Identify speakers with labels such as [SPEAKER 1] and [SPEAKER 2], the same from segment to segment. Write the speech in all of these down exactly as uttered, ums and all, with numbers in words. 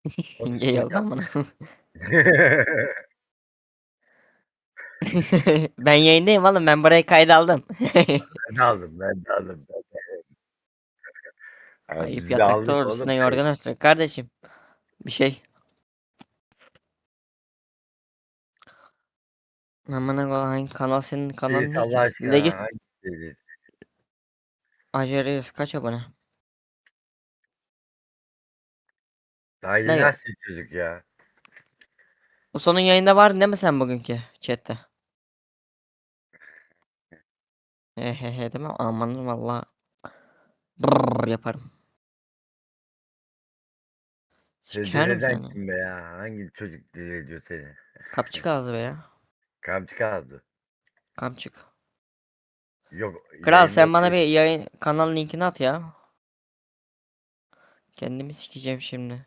[SPEAKER 1] Yenge yoldan bana. Ben yayındayım oğlum, ben burayı kayda aldım.
[SPEAKER 2] Ben de aldım, ben de aldım. Ben de. Yani
[SPEAKER 1] Ayıp
[SPEAKER 2] biz de
[SPEAKER 1] yatakta
[SPEAKER 2] aldık
[SPEAKER 1] olur,
[SPEAKER 2] oğlum.
[SPEAKER 1] üstüne yorgan örtün kardeşim. Bir şey. Aman Allah'ım, kanal senin kanalın
[SPEAKER 2] Reis
[SPEAKER 1] ne
[SPEAKER 2] Allah
[SPEAKER 1] ki? Legit
[SPEAKER 2] aşkına hangi reis?
[SPEAKER 1] Aceriyos kaç abone?
[SPEAKER 2] Daha yeni
[SPEAKER 1] Ne?
[SPEAKER 2] açtı çocuk ya.
[SPEAKER 1] Bu sonun yayında var değil mi sen bugünkü chatte? Hehehe değil mi? Aman valla. Brrr yaparım.
[SPEAKER 2] Seni
[SPEAKER 1] Sikerim
[SPEAKER 2] deleden
[SPEAKER 1] seni.
[SPEAKER 2] kim be ya? Hangi çocuk deli ediyor seni?
[SPEAKER 1] Kapçık ağzı be ya.
[SPEAKER 2] Kamçı kaldı.
[SPEAKER 1] Kapçık.
[SPEAKER 2] Yok
[SPEAKER 1] Kral
[SPEAKER 2] yayında
[SPEAKER 1] sen bana bir
[SPEAKER 2] değil.
[SPEAKER 1] yayın kanal linkini at ya. Kendimi sikeceğim şimdi.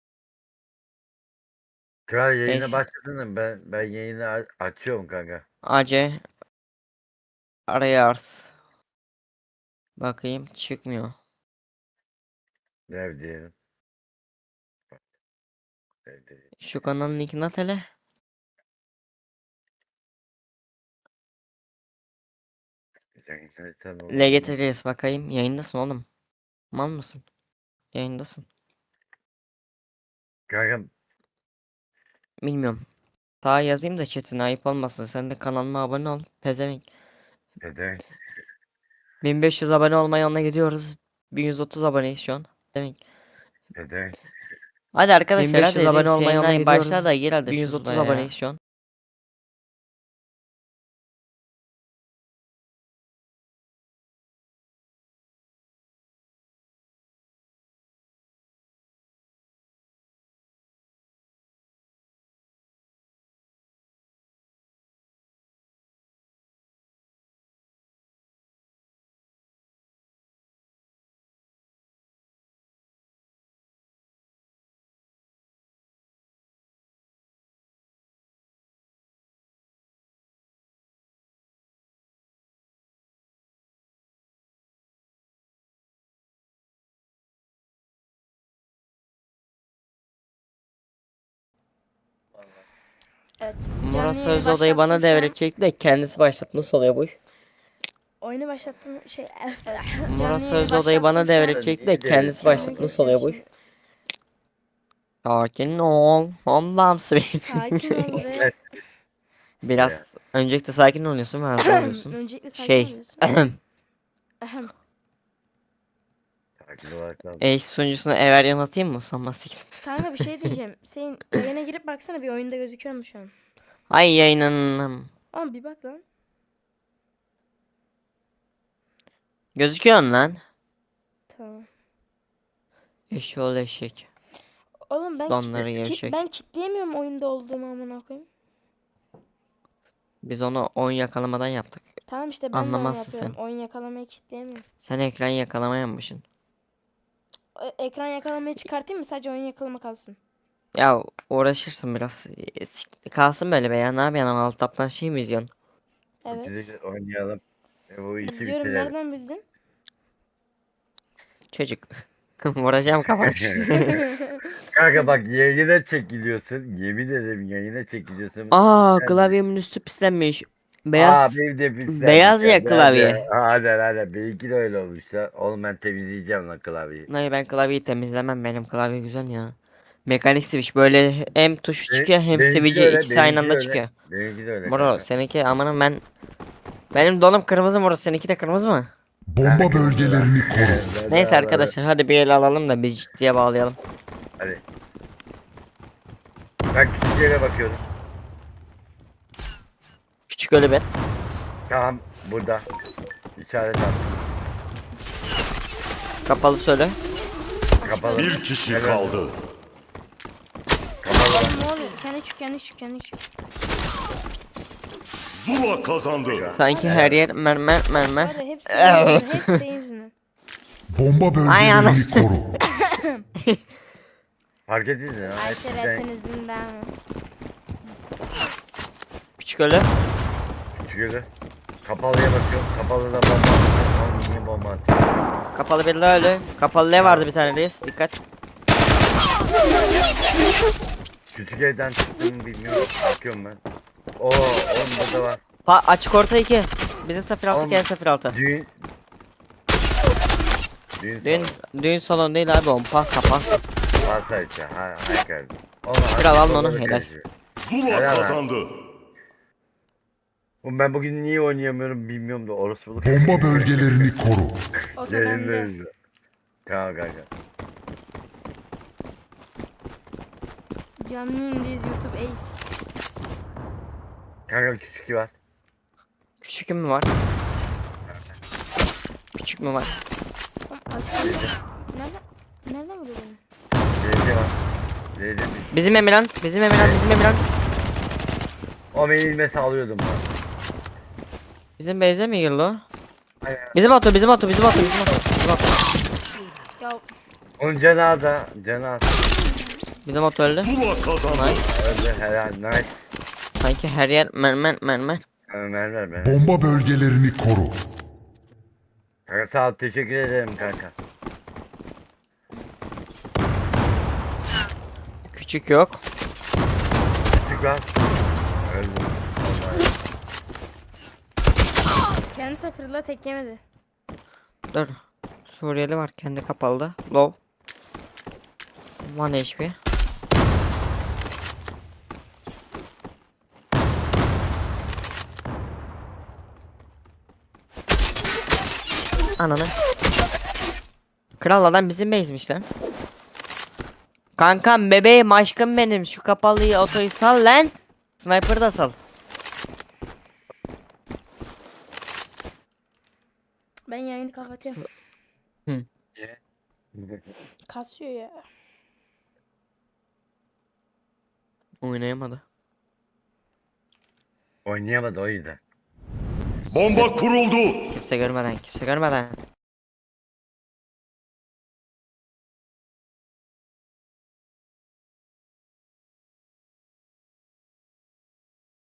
[SPEAKER 2] Kral yayına
[SPEAKER 1] Neyse.
[SPEAKER 2] başladın mı? Ben ben yayını a- açıyorum kanka.
[SPEAKER 1] A C araya ars. Bakayım çıkmıyor.
[SPEAKER 2] Dev diyelim. Dev diyelim.
[SPEAKER 1] Şu kanalın linkini at hele.
[SPEAKER 2] Yayında sen olmadın.
[SPEAKER 1] L G T Reis bakayım. Yayındasın oğlum. Mal mısın? Yayındasın.
[SPEAKER 2] Kanka
[SPEAKER 1] Bilmiyorum. Daha yazayım da chatine ayıp olmasın. Sen de kanalıma abone ol. Pezevenk.
[SPEAKER 2] neden?
[SPEAKER 1] bin beş yüz abone olmaya yoluna gidiyoruz. bin yüz otuz aboneyiz şu an. Pezevenk.
[SPEAKER 2] Neden?
[SPEAKER 1] Hadi arkadaşlar
[SPEAKER 3] bin beş yüz
[SPEAKER 1] hadi
[SPEAKER 3] abone
[SPEAKER 1] Reis
[SPEAKER 3] olmaya yoluna
[SPEAKER 1] yayınlayın. Başla
[SPEAKER 3] gidiyoruz.
[SPEAKER 1] da gir hadi
[SPEAKER 3] bin yüz
[SPEAKER 1] şu
[SPEAKER 3] otuz
[SPEAKER 1] sıraya ya.
[SPEAKER 3] aboneyiz
[SPEAKER 1] şu an.
[SPEAKER 4] Evet.
[SPEAKER 1] Murat
[SPEAKER 4] Canlı
[SPEAKER 1] Söz
[SPEAKER 4] yayını
[SPEAKER 1] odayı bana
[SPEAKER 4] başlattım şu an.
[SPEAKER 1] devredecek de kendisi başlattı. Nasıl oluyor bu iş?
[SPEAKER 4] Oyunu başlattım şey. Evet.
[SPEAKER 1] Murat
[SPEAKER 4] Canlı
[SPEAKER 1] Söz
[SPEAKER 4] yayını
[SPEAKER 1] odayı bana
[SPEAKER 4] başlattım şu an.
[SPEAKER 1] devredecek de
[SPEAKER 2] Niye
[SPEAKER 1] kendisi
[SPEAKER 2] devredeceğim
[SPEAKER 1] başlattı.
[SPEAKER 2] oğlum?
[SPEAKER 1] Nasıl oluyor bu iş? Sakin ol. Allah'ım
[SPEAKER 4] Sakin ol ve
[SPEAKER 1] Biraz öncelikle sakin oluyorsun ve hızlı oluyorsun.
[SPEAKER 4] öncelikle sakin
[SPEAKER 1] Şey.
[SPEAKER 4] oluyorsun. Ahem.
[SPEAKER 2] Sakin olarak lan.
[SPEAKER 1] Eş sunucusuna Everyan atayım mı? Sanmaz siksin.
[SPEAKER 4] Kanka bir şey diyeceğim. Senin yayına girip baksana bir oyunda gözüküyor mu şu an?
[SPEAKER 1] Ay yayınlanım.
[SPEAKER 4] Ama bir bak lan.
[SPEAKER 1] Gözüküyorsun lan.
[SPEAKER 4] Tamam.
[SPEAKER 1] Eşoğlu eşek.
[SPEAKER 4] Oğlum ben
[SPEAKER 1] Donları
[SPEAKER 4] kit,
[SPEAKER 1] gevşek.
[SPEAKER 4] ben kitleyemiyorum oyunda olduğumu amına koyayım.
[SPEAKER 1] Biz onu oyun yakalamadan yaptık.
[SPEAKER 4] Tamam işte ben de onu
[SPEAKER 1] Anlamazsın
[SPEAKER 4] yapıyorum.
[SPEAKER 1] sen.
[SPEAKER 4] Oyun yakalamayı kitleyemiyorum.
[SPEAKER 1] Sen ekran yakalamayanmışsın.
[SPEAKER 4] E- ekran yakalamayı çıkartayım mı? Sadece oyun yakalama kalsın.
[SPEAKER 1] Ya uğraşırsın biraz. E, sik- Kalsın böyle be ya. Ne yapıyorsun? Alt taptan şey mi izliyorsun?
[SPEAKER 4] Evet.
[SPEAKER 2] Gidelim oynayalım. E, bu işi
[SPEAKER 4] İzliyorum.
[SPEAKER 2] bitirelim.
[SPEAKER 4] Nereden bildin?
[SPEAKER 1] Çocuk. Vuracağım kafana.
[SPEAKER 2] Kanka bak yayına çekiliyorsun. Yemin ederim yayına çekiliyorsun.
[SPEAKER 1] Aa,
[SPEAKER 2] Sen-
[SPEAKER 1] klavyemin üstü pislenmiş.
[SPEAKER 2] Aa
[SPEAKER 1] Beyaz.
[SPEAKER 2] benim de pislenmiş.
[SPEAKER 1] Beyaz ya
[SPEAKER 2] Hadi,
[SPEAKER 1] klavye.
[SPEAKER 2] Hadi hadi. hadi. Benimki de öyle olmuş ya. Oğlum ben temizleyeceğim lan klavyeyi.
[SPEAKER 1] Hayır, ben klavyeyi temizlemem. Benim klavye güzel ya. Mekanik switch böyle hem tuşu
[SPEAKER 2] Be-
[SPEAKER 1] çıkıyor hem
[SPEAKER 2] benimki de
[SPEAKER 1] switch'i
[SPEAKER 2] öyle,
[SPEAKER 1] ikisi aynı
[SPEAKER 2] benimki de
[SPEAKER 1] anda
[SPEAKER 2] öyle.
[SPEAKER 1] çıkıyor.
[SPEAKER 2] Benimki de öyle
[SPEAKER 1] Moro
[SPEAKER 2] kanka.
[SPEAKER 1] seninki amanın ben benim donum kırmızı, Moro seninki de kırmızı mı?
[SPEAKER 5] Bomba bölgelerini koru.
[SPEAKER 1] Neyse arkadaşlar hadi bir el alalım da biz ciddiye bağlayalım.
[SPEAKER 2] Hadi. Ben küçük yere bakıyorum.
[SPEAKER 1] Küçük ölü bir.
[SPEAKER 2] Tamam burada. İşaret at.
[SPEAKER 1] Kapalı söyle.
[SPEAKER 2] Kapalı.
[SPEAKER 5] Bir kişi
[SPEAKER 2] Evet.
[SPEAKER 5] kaldı.
[SPEAKER 2] Kapalı.
[SPEAKER 4] Oğlum ne oluyor? Kendi çık, kendi çık, kendi çık.
[SPEAKER 5] Zula kazandı.
[SPEAKER 1] Sanki her yer mermer mermer.
[SPEAKER 4] Hadi hepsi senin yüzünden, hepsi senin yüzünden.
[SPEAKER 5] Bomba
[SPEAKER 1] Ay ana.
[SPEAKER 5] bölgelerini koru.
[SPEAKER 2] Fark ettiniz mi?
[SPEAKER 4] Ayşe
[SPEAKER 2] Sen
[SPEAKER 4] rapinizden.
[SPEAKER 1] Küçük ölü.
[SPEAKER 2] küçük yere. Kapalıya bakıyorum. Kapalıda bomba atıyor. Oğlum niye bomba atıyor?
[SPEAKER 1] Kapalı bir ölü. Kapalı ne vardı bir tane reis? Dikkat.
[SPEAKER 2] Küçük evden çıktığımı bilmiyorum. Bakıyorum ben. Oo, onda da var.
[SPEAKER 1] Pa açık orta iki. Bizim sıfır altı
[SPEAKER 2] Oğlum,
[SPEAKER 1] gel sıfır altı.
[SPEAKER 2] Düğün. Düğün.
[SPEAKER 1] Düğün, düğün salonu değil abi on pasta pasta.
[SPEAKER 2] Varsa işte. Ha, ha geldi. Onu
[SPEAKER 1] Kral alın
[SPEAKER 2] artık
[SPEAKER 1] onu,
[SPEAKER 2] onları
[SPEAKER 1] helal.
[SPEAKER 2] karıştırıyor.
[SPEAKER 5] Zula
[SPEAKER 2] Helal lan.
[SPEAKER 5] kazandı.
[SPEAKER 2] Oğlum ben bugün niye oynayamıyorum bilmiyorum da orospuluk.
[SPEAKER 5] Bomba bölgelerini koru.
[SPEAKER 4] Oto
[SPEAKER 2] Yayında
[SPEAKER 4] bende.
[SPEAKER 2] izliyor. Tamam kanka.
[SPEAKER 4] Canlı yayındayız YouTube Ace.
[SPEAKER 2] Kanka küçük var.
[SPEAKER 1] Küçük mü var? Küçük mü var?
[SPEAKER 4] Oğlum açık Nereden? Nereden vuruyor beni?
[SPEAKER 2] Zeyde var. Zeyde bir.
[SPEAKER 1] Bizim Emirhan, bizim Emirhan, bizim Emirhan.
[SPEAKER 2] O beni ilmesi alıyordum ben.
[SPEAKER 1] Bizim Beyze mi girdi o?
[SPEAKER 2] Aynen.
[SPEAKER 1] Bizim oto, bizim oto, bizim oto, bizim oto. Bizim oto,
[SPEAKER 4] Ya
[SPEAKER 2] Onun canı da. Canı az.
[SPEAKER 1] bizim oto öldü.
[SPEAKER 5] Zula kazandı.
[SPEAKER 1] Nice.
[SPEAKER 2] Öldü helal. Nice.
[SPEAKER 1] Sanki her yer mermer mermer.
[SPEAKER 2] Ömerler be.
[SPEAKER 5] Bomba bölgelerini koru.
[SPEAKER 2] Kanka sağ ol. Teşekkür ederim kanka.
[SPEAKER 1] Küçük yok.
[SPEAKER 2] Küçük var. Öldü. Vallahi.
[SPEAKER 4] kendi sıfırla tek yemedi.
[SPEAKER 1] Dur. Suriyeli var kendi kapalı. Low. One H P. Ananı. Kral adam bizim base'miş lan. Kankam bebeğim aşkım benim şu kapalıyı otoyu sal lan. Sniper da sal.
[SPEAKER 4] Ben yayını kapatayım.
[SPEAKER 1] Hı.
[SPEAKER 4] Kasıyor ya.
[SPEAKER 1] Oynayamadı.
[SPEAKER 2] Oynayamadı o yüzden.
[SPEAKER 5] Bomba kuruldu.
[SPEAKER 1] Kimse görmeden kimse görmeden.